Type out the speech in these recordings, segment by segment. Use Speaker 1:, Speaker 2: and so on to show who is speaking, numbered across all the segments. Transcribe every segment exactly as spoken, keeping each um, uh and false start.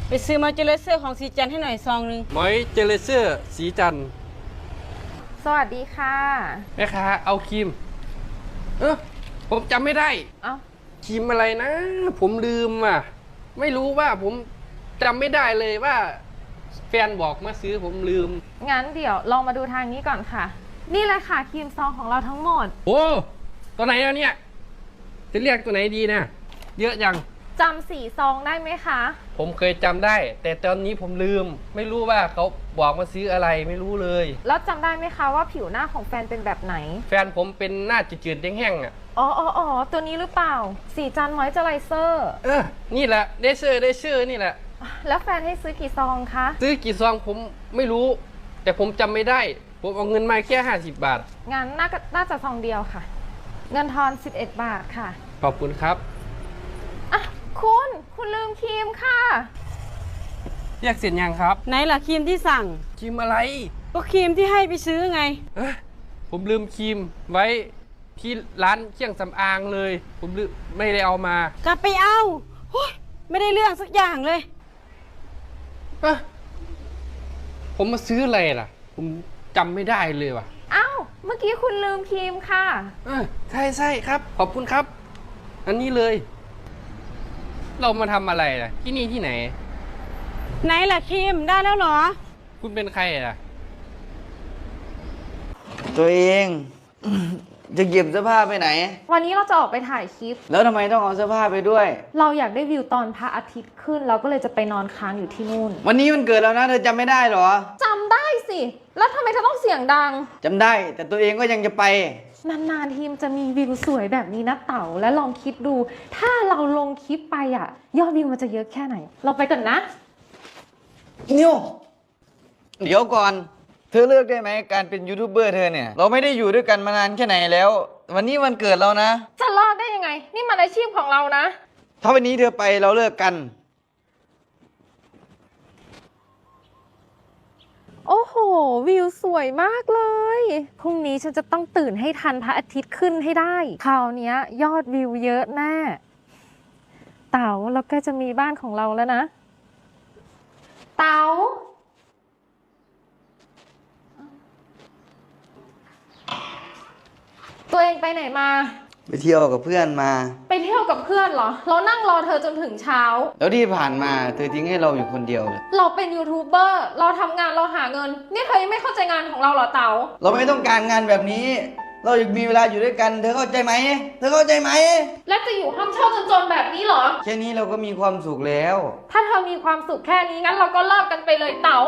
Speaker 1: ไปซื้อมอยเจอร์เซอร์ของสีจันให้หน่อยซองนึง
Speaker 2: มอยเจอร์เซอร์สีจัน
Speaker 3: สวัสดีค่ะ
Speaker 2: แม่ค้าเอาครีมเออผมจำไม่ได้
Speaker 3: เอ้า
Speaker 2: ครีมอะไรนะ ผมลืมอ่ะไม่รู้ว่าผมจำไม่ได้เลยว่าแฟนบอกมาซื้อผมลืม
Speaker 3: งั้นเดี๋ยวลองมาดูทางนี้ก่อนค่ะนี่แหละค่ะครีมซองของเราทั้งหมด
Speaker 2: โอ้ตัวไหนแล้วเนี่ยจะเรียกตัวไหนดีนะเยอะจัง
Speaker 3: จำสีซองได้ไหมคะ
Speaker 2: ผมเคยจำได้แต่ตอนนี้ผมลืมไม่รู้ว่าเขาบอกมาซื้ออะไรไม่รู้เลย
Speaker 3: แล้วจำได้ไหมคะว่าผิวหน้าของแฟนเป็นแบบไหน
Speaker 2: แฟนผมเป็นหน้าจืดๆแห้งๆอ่ะ
Speaker 3: อ๋ออ๋ออ๋อตัวนี้หรือเปล่าสีจันมอยเจอไรเซอร์
Speaker 2: เออนี่แหละเดเซอร์เดเซอร์นี่แหละ
Speaker 3: แล้วแฟนให้ซื้อกี่ซองคะ
Speaker 2: ซื้อกี่ซองผมไม่รู้แต่ผมจำไม่ได้ผมเอาเงินมาแค่ห้าสิบบาท
Speaker 3: งั้นน่าน่าจะซองเดียวค่ะเงินทอนสิบเอ็ดบาทค่ะ
Speaker 2: ขอบคุณครับ
Speaker 3: อ่ะคุณคุณลืมครีมค่ะ
Speaker 2: เรียกเสร็จยังครับ
Speaker 1: ไหนล่ะครีมที่สั่ง
Speaker 2: ครีมอะไร
Speaker 1: ก็ครีมที่ให้ไปซื้อไง
Speaker 2: เอ้ยผมลืมครีมไว้ที่ร้านเครื่องสำอางเลยผมลืมไม่ได้เอามาก
Speaker 1: ลับไปเอาไม่ได้เรื่องสักอย่างเลย
Speaker 2: อะผมมาซื้ออะไรล่ะผมจำไม่ได้เลยว่ะ
Speaker 3: อ้าวเมื่อกี้คุณลืมครีมค่ะ
Speaker 2: เออใช่ใช่ครับขอบคุณครับอันนี้เลยเรามาทำอะไรล่ะที่นี่ที่ไหน
Speaker 1: ไหนล่ะครีมได้แล้วเหรอ
Speaker 2: คุณเป็นใครล่ะ
Speaker 4: ตัวเองจะเก็บเสื้อผ้าไปไหน
Speaker 3: วันนี้เราจะออกไปถ่ายคลิป
Speaker 4: แล้วทำไมต้องเอาเสื้อผ้าไปด้วย
Speaker 3: เราอยากได้วิวตอนพระอาทิตย์ขึ้นเราก็เลยจะไปนอนค้างอยู่ที่นู่น
Speaker 4: วันนี้มันเกิดแล้วนะเธอจำไม่ได้หรอ
Speaker 3: จำได้สิแล้วทำไมเธอต้องเสียงดัง
Speaker 4: จำได้แต่ตัวเองก็ยังจะไป
Speaker 3: นานๆทีมจะมีวิวสวยแบบนี้นะเต๋าและลองคิดดูถ้าเราลงคลิปไปอ่ะยอดวิวมันจะเยอะแค่ไหนเราไปกันนะ
Speaker 4: นิวเดี๋ยวก่อนเธอเลือกได้ไหมการเป็นยูทูบเบอร์เธอเนี่ยเราไม่ได้อยู่ด้วยกันมานานแค่ไหนแล้ววันนี้วันเกิดเรานะ
Speaker 3: จะรอดได้ยังไงนี่มันอาชีพของเรานะ
Speaker 4: ถ้าวันนี้เธอไปเราเลิกกัน
Speaker 3: โอ้โหวิวสวยมากเลยพรุ่งนี้ฉันจะต้องตื่นให้ทันพระอาทิตย์ขึ้นให้ได้คราวนี้ยอดวิวเยอะแน่เต๋าเราใกล้จะมีบ้านของเราแล้วนะเต๋าตัวเองไปไหนมา
Speaker 4: ไปเที่ยวกับเพื่อนมา
Speaker 3: ไปเที่ยวกับเพื่อนเหรอเรานั่งรอเธอจนถึงเช้า
Speaker 4: แล้วที่ผ่านมาเธอทิ้งให้เราอยู่คนเดียวเลย
Speaker 3: เราเป็นยูทูบเบอร์เราทำงานเราหาเงินนี่เธอยังไม่เข้าใจงานของเราเหรอเต๋า
Speaker 4: เราไม่ต้องการงานแบบนี้เราอยากมีเวลาอยู่ด้วยกันเธอเข้าใจไหมเธอเข้าใจไหม
Speaker 3: แล้วจะอยู่ห้องเช่าจนๆแบบนี้เหรอ
Speaker 4: แค่นี้เราก็มีความสุขแล้ว
Speaker 3: ถ้าเธอมีความสุขแค่นี้งั้นเราก็เลิกกันไปเลยเต๋า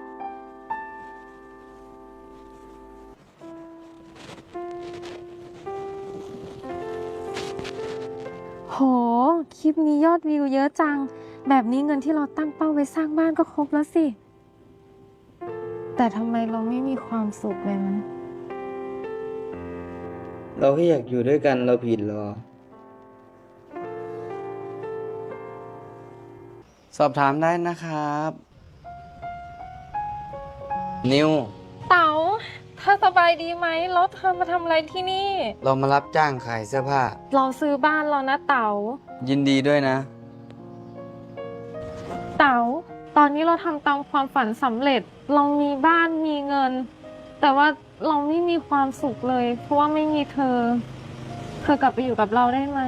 Speaker 3: โหคลิปนี้ยอดวิวเยอะจังแบบนี้เงินที่เราตั้งเป้าไว้สร้างบ้านก็ครบแล้วสิแต่ทำไมเราไม่มีความสุขเลยนะ
Speaker 4: เราแค่อยากอยู่ด้วยกันเราผิดหรอสอบถามได้นะครับนิว
Speaker 3: เต๋าเธอสบายดีไหมแล้วเธอมาทำอะไรที่นี่
Speaker 4: เรามารับจ้างขายเสื้อผ้า
Speaker 3: เราซื้อบ้านเรานะเต๋า
Speaker 4: ยินดีด้วยนะ
Speaker 3: เต๋าตอนนี้เราทำตามความฝันสำเร็จเรามีบ้านมีเงินแต่ว่าเราไม่มีความสุขเลยเพราะว่าไม่มีเธอเธอกลับไปอยู่กับเราได้ไหม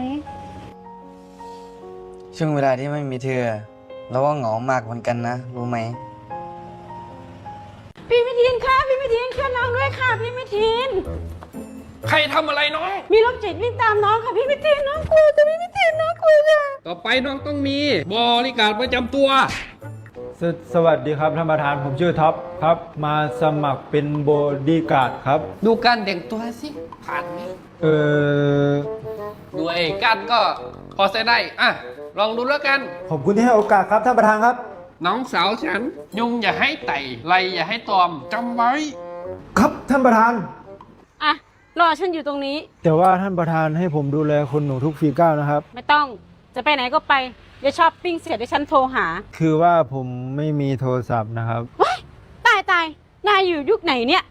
Speaker 4: ช่วงเวลาที่ไม่มีเธอเราว่าเหงามากเหมือนกันนะรู้ไหม
Speaker 1: พี่มิทินค่ะพี่มิทินช่วยน้องด้วยค่ะพี่มิทิน
Speaker 2: ใครทำอะไรน้อง
Speaker 1: มีรถจิตวิ่งตามน้องค่ะพี่มิทินน้องกลัวจะพี่มิทินน้องกลัวจ้ะ
Speaker 2: ต่อไปน้องต้องมีบริการประจำตัว
Speaker 5: สสวัสดีครับท่านประธานผมชื่อท็อปครับมาสมัครเป็นบอดี้การ์ดครับ
Speaker 2: ดูการแต่งตัวสิผ่านไหม
Speaker 5: เออ
Speaker 2: ดูไอ้การก็พอใช้ได้อ่ะลองดูแล้วกัน
Speaker 5: ขอบคุณที่ให้โอกาสครับท่านประธานครับ
Speaker 2: น้องสาวฉันยุงอย่าให้ไต่ไรอย่าให้ตอมจำไว้
Speaker 5: ครับท่านประธาน
Speaker 1: อ่ะรอฉันอยู่ตรงนี้
Speaker 5: แต่ว่าท่านประธานให้ผมดูแลคนหนูทุกฝีก้าวนะครับ
Speaker 1: ไม่ต้องจะไปไหนก็ไปอย่าช้อปปิ้งเสร็จเดี๋ยวฉันโทรหา
Speaker 5: คือว่าผมไม่มีโทรศัพท์นะครับ
Speaker 1: ว้ายตายตายนายอยู่ยุคไหนเนี่ย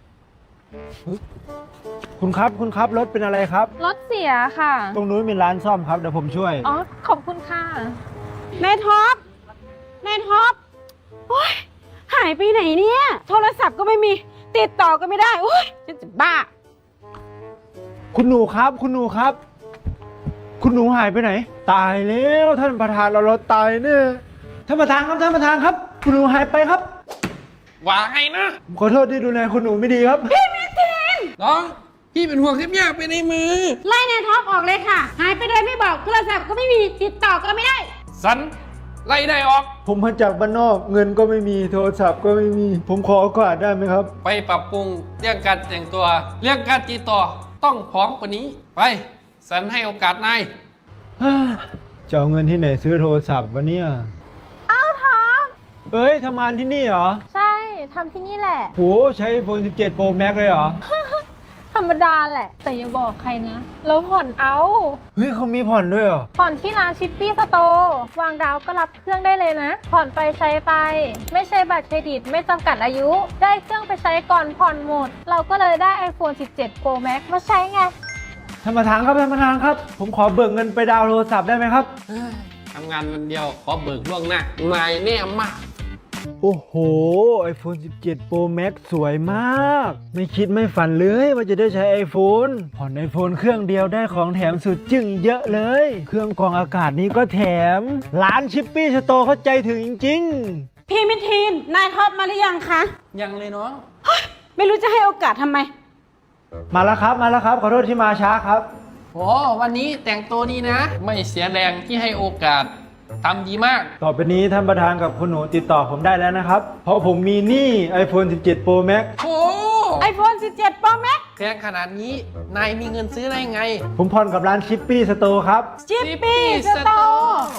Speaker 5: คุณครับคุณครับรถเป็นอะไรครับ
Speaker 3: รถเสียค่ะ
Speaker 5: ตรงนู้นมีร้านซ่อมครับเดี๋ยวผมช่วย
Speaker 3: อ๋อขอบคุณค่ะ
Speaker 1: นายท็อปนายท็อปไปไหนเนี่ย โทรศัพท์ก็ไม่มี ติดต่อก็ไม่ได้โอ้ยฉันจะบ้า
Speaker 5: คุณหนูครับ คุณหนูครับ คุณหนูหายไปไหน ตายแล้วท่านประธานเราเราตายเนี่ยท่านประธานครับท่านประธานครับ คุณหนูหายไปครับ
Speaker 2: ว่าไงนะ
Speaker 5: ผมขอโทษที่ดูแลคุณหนูไม่ดีครับ
Speaker 2: น้องพี่เป็นห่วงแค่อยากไปในมือ
Speaker 1: ไล่นายท็อปออกเลยค่ะ หายไปโดยไม่บอกโทรศัพท์ก็ไม่มีติดต่อก็ไม่ได้
Speaker 2: สันไล่ได้ออก
Speaker 5: ผมมาจากบ้านนอกเงินก็ไม่มีโทรศัพท์ก็ไม่มี ผมขอโอกาสได้ไหมครับ
Speaker 2: ไปปรับปรุงเรื่องการแต่งตัว เรื่องการติดต่อต้องพร้อมกว่านี้ ไป สันให้โอกาสนาย
Speaker 5: จะเอาเงินที่ไหนซื้อโทรศัพท์วะเนี่ยอ้าวทอเอ้ยทำงานที่นี่เหรอ
Speaker 3: ใช่ทำที่นี่แหละ
Speaker 5: โหใช้ iPhone สิบเจ็ด Pro Max เลยเหรอ
Speaker 3: ธรรมดาแหละ แต่อย่าบอกใครนะ แล้วผ่อนเอา
Speaker 5: เฮ้ยเขามีผ่อนด้วยเหรอ
Speaker 3: ผ่อนที่ร้านชิปปี้สโตร์วางดาวก็รับเครื่องได้เลยนะ ผ่อนไปใช้ไป ไม่ใช่บัตรเครดิตไม่จำกัดอายุ ได้เครื่องไปใช้ก่อนผ่อนหมด เราก็เลยได้ iPhone สิบเจ็ด Pro Max มาใช้ไง
Speaker 5: ท่านประธานครับท่านประธานครับ ผมขอเบิกเงินไปดาวน์โทรศัพท์ได้ไหมครับ
Speaker 2: ทำงานวันเดียวขอเบิกล่วงหน้านายแน่มาก
Speaker 5: โอ้โห iPhone สิบเจ็ด Pro Max สวยมาก ไม่คิดไม่ฝันเลยว่าจะได้ใช้ iPhone ผ่อน iPhone เครื่องเดียวได้ของแถมสุดจึ้งเยอะเลย เครื่องกรองอากาศนี้ก็แถม ร้านชิปปี้สโตร์เข้าใจถึงจริงๆ
Speaker 1: พี่มิทีน นายท็อปมาหรือยังคะ
Speaker 2: ยังเลยน้อง
Speaker 1: ไม่รู้จะให้โอกาสทำไม
Speaker 5: มาแล้วครับมาแล้วครับขอโทษที่มาช้าครับ
Speaker 2: โอ้วันนี้แต่งตัวดีนะ ไม่เสียแรงที่ให้โอกาสทำดีมาก
Speaker 5: ต่อไปนี้ท่านประธานกับคุณหนูติดต่อผมได้แล้วนะครับ เพราะผมมีหนี้ iPhone สิบเจ็ด Pro Max
Speaker 2: โอ้
Speaker 1: iPhone สิบเจ็ด Pro Max
Speaker 2: แพงขนาดนี้ นายมีเงินซื้อได้ไง
Speaker 5: ผมผ่อนกับร้านชิปปี้สโตร์ครับ
Speaker 1: ชิปปี้สโตร์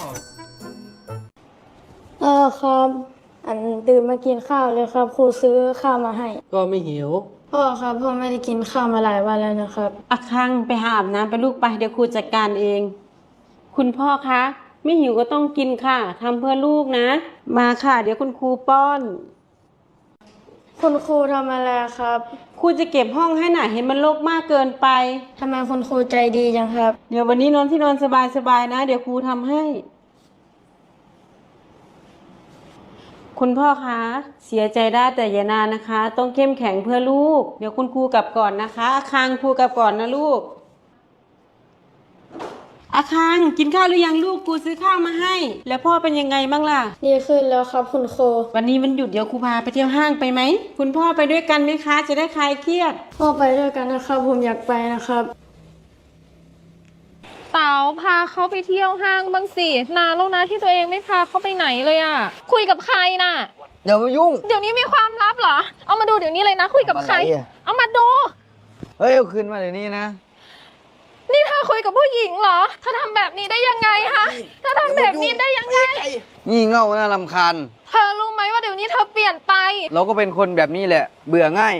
Speaker 6: เออครับ อันตื่นมากินข้าวเลยครับครูซื้อข้าวมาให้
Speaker 2: ก็ไม่หิว
Speaker 6: พ่อครับพ่อไม่ได้กินข้าวมาหลายวันแล้วนะครับ
Speaker 1: อาคังไปหาอาบน้ำไปลูกไปเดี๋ยวครูจัดการเอง คุณพ่อคะไม่หิวก็ต้องกินค่ะทำเพื่อลูกนะ มาค่ะเดี๋ยวคุณครูป้อน
Speaker 6: คุณครูทำอะไรครับ
Speaker 1: ครูจะเก็บห้องให้หน่ะเห็นมันรกมากเกินไป
Speaker 6: ทำไมคุณครูใจดีจังครับ
Speaker 1: เดี๋ยววันนี้นอนที่นอนสบายๆนะ เดี๋ยวครูทำให้ คุณพ่อคะเสียใจได้แต่อย่านานนะคะ ต้องเข้มแข็งเพื่อลูก เดี๋ยวคุณครูกลับก่อนนะคะอาคังครูกลับก่อนนะลูกอาคังกินข้าวหรือยังลูกครูซื้อข้าวมาให้ แล้วพ่อเป็นยังไงบ้างล่ะ
Speaker 6: ดีขึ้นแล้วครับคุณครู
Speaker 1: วันนี้มันหยุดเดี๋ยวครูพาไปเที่ยวห้างไปไหมคุณพ่อไปด้วยกันไหมคะ จะได้คลายเครียด
Speaker 6: พ่อไปด้วยกันนะครับ ผมอยากไปนะครับ
Speaker 3: เต๋าพาเขาไปเที่ยวห้างบ้างสินานแล้วนะที่ตัวเองไม่พาเขาไปไหนเลยอะคุยกับใครน่ะ
Speaker 4: อย่ามายุ่ง
Speaker 3: เดี๋ยวนี้มีความลับเหรอ เอามาดูเดี๋ยวนี้เลยนะ คุยกับใคร
Speaker 4: อะไรอะ
Speaker 3: เอามาดู
Speaker 4: เฮ้ยเอาคืนมาเดี๋ยวนี้นะ
Speaker 3: นี่เธอคุยกับผู้หญิงเหรอเธอทำแบบนี้ได้ยังไงคะเธอทำแบบนี้ได้ยังไง
Speaker 4: งี่เง่าน่ารำคาญ
Speaker 3: เธอรู้ไหมว่าเดี๋ยวนี้เธอเปลี่ยนไป
Speaker 4: เราก็เป็นคนแบบนี้แหละ เบื่อง่าย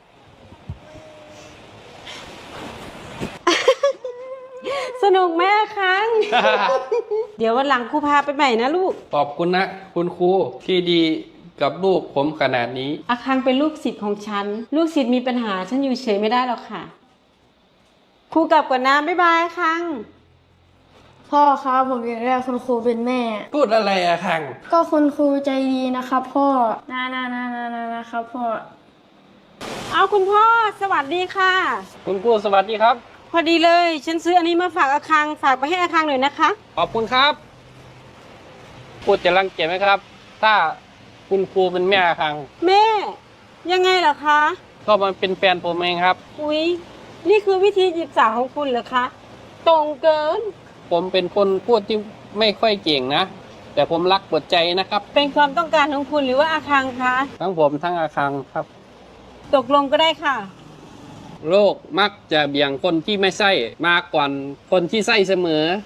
Speaker 1: สนุกไหมอาคัง เดี๋ยววันหลังครูพาไปใหม่นะลูก
Speaker 2: ขอบคุณนะ คุณครูที่ดีกับลูกผมขนาดนี้
Speaker 1: อาคังเป็นลูกศิษย์ของฉัน ลูกศิษย์มีปัญหาฉันอยู่เฉยไม่ได้หรอกค่ะ ครูกลับก่อนนะบ๊ายบายอาคัง
Speaker 6: พ่อครับผมอยากได้คุณครูเป็นแม่
Speaker 2: พูดอะไรอะคัง
Speaker 6: ก็คุณครูใจดีนะครับ พ่อนานานานานานะครับพ่อ
Speaker 1: เอาคุณพ่อสวัสดีค่ะ
Speaker 2: คุณครูสวัสดีครับ
Speaker 1: พอดีเลย ฉันซื้ออันนี้มาฝากอาคังฝากไปให้อาคังหน่อยนะคะ
Speaker 2: ขอบคุณครับ พูดจะรังเกียจไหมครับ ถ้าคุณครูเป็นแม่คัง
Speaker 1: แม่ยังไงเหรอคะ
Speaker 2: ก็มันเป็นแฟนผมเองครับ
Speaker 1: อุ๊ยนี่คือวิธีจีบสาวของคุณเหรอคะ ตรงเกิน
Speaker 2: ผมเป็นคนพูดที่ไม่ค่อยเก่งนะ แต่ผมรักหมดใจนะครับ
Speaker 1: เป็นความต้องการของคุณหรือว่าอาคังคะ
Speaker 2: ทั้งผมทั้งอาคังครับ
Speaker 1: ตกลงก็ได้ค่ะ
Speaker 2: โลกมักจะเบี่ยงคนที่ไม่ใช่มากกว่าคนที่ใช่เสมอ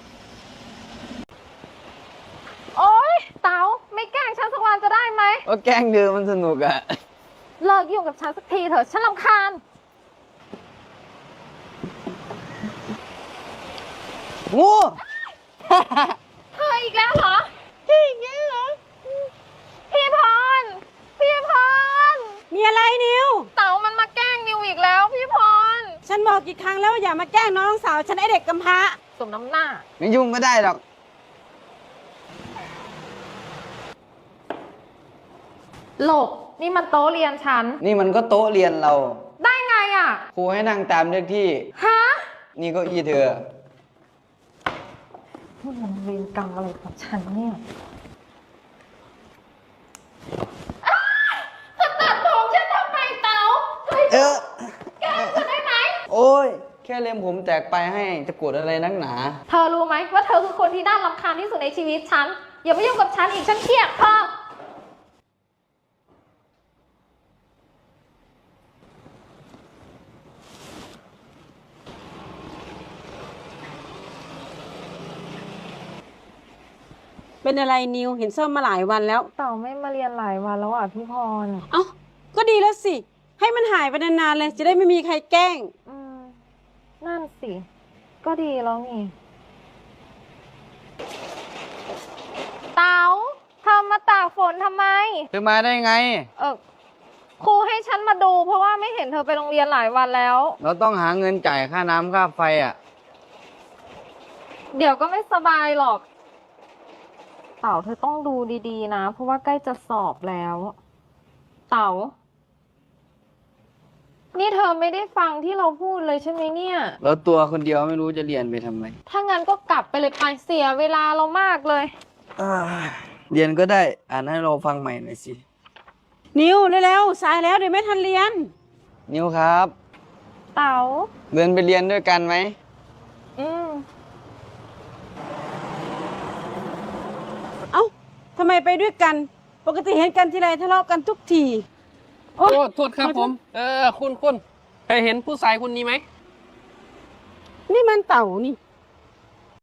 Speaker 3: โอ๊ยเต๋าไม่แกล้งฉันสักวันจะได้ไหม
Speaker 4: ก็แกล้งเดิมมันสนุกอะ
Speaker 3: เลิกยุ่งกับฉันสักทีเถอะฉันรำคาญ
Speaker 4: งู
Speaker 3: เธออีกแล้วเหรอพี่อีกแล้วเหรอพี่พรพี่พร
Speaker 1: มีอะไรนิว
Speaker 3: เต๋ามันมาแกล้งนิวอีกแล้วพี่พร
Speaker 1: ฉันบอกกี่ครั้งแล้วว่าอย่ามาแกล้งน้องสาวฉันไอเด็กกำพร้า
Speaker 3: สมน้ำหน้า
Speaker 4: ไม่ยุ่งก็ได้หรอก
Speaker 3: หลบนี่มันโต๊ะเรียนฉัน
Speaker 4: นี่มันก็โต๊ะเรียนเรา
Speaker 3: ได้ไงอ่ะ
Speaker 4: ครูให้นั่งตามเลขที่
Speaker 3: ฮะ
Speaker 4: นี่เก็อีเธอ
Speaker 3: นี่มันเวรกรรมอะไรของฉันเนี่ยตัดผมฉันทำไมเต๋า
Speaker 4: เออแกจะได้ไหม โอ้ย แค่เล็มผมแตกไปให้จะโกรธอะไรนักหนา
Speaker 3: เธอรู้ไหมว่าเธอคือคนที่น่ารำคาญที่สุดในชีวิตฉัน อย่ามายุ่งกับฉันอีกฉันเครียดเธอ
Speaker 1: เป็นอะไรนิวเห็นส้มมาหลายวันแล้ว
Speaker 3: เต่าไม่มาเรียนหลายวันแล้วอ่ะพี่พร
Speaker 1: เอ้าก็ดีแล้วสิ ให้มันหายไปนานๆเลย จะได้ไม่มีใครแกล้ง
Speaker 3: อืมนั่นสิ ก็ดีแล้วนี่เต๋าเธอมาตากฝนทำไม
Speaker 4: เธอมาได้ไง
Speaker 3: เออครูให้ฉันมาดูเพราะว่าไม่เห็นเธอไปโรงเรียนหลายวันแล้ว
Speaker 4: เราต้องหาเงินจ่ายค่าน้ำค่าไฟอ่ะ
Speaker 3: เดี๋ยวก็ไม่สบายหรอก เต๋าเธอต้องดูดีๆนะ เพราะว่าใกล้จะสอบแล้ว เต๋า นี่เธอไม่ได้ฟังที่เราพูดเลยใช่ไหมเนี่ย
Speaker 4: แล้วตัวคนเดียวไม่รู้จะเรียนไปทำไม
Speaker 3: ถ้างั้นก็กลับไปเลยไปเสียเวลาเรามากเลย
Speaker 4: อ่าเรียนก็ได้ อ่านให้เราฟังใหม่หน่อยสิ
Speaker 1: นิวเร็วๆสายแล้วเดี๋ยวไม่ทันเรียน
Speaker 4: นิวครับ
Speaker 3: เต๋า
Speaker 4: เดินไปเรียนด้วยกันไหม
Speaker 3: อืม
Speaker 1: เอ้าทำไมไปด้วยกัน ปกติเห็นกันทีไรทะเลาะกันทุกที
Speaker 2: โอ้โทษครับผม เออ คุณคุณเคยเห็นผู้ชายคนนี้ไหม
Speaker 1: นี่มันเต่านี่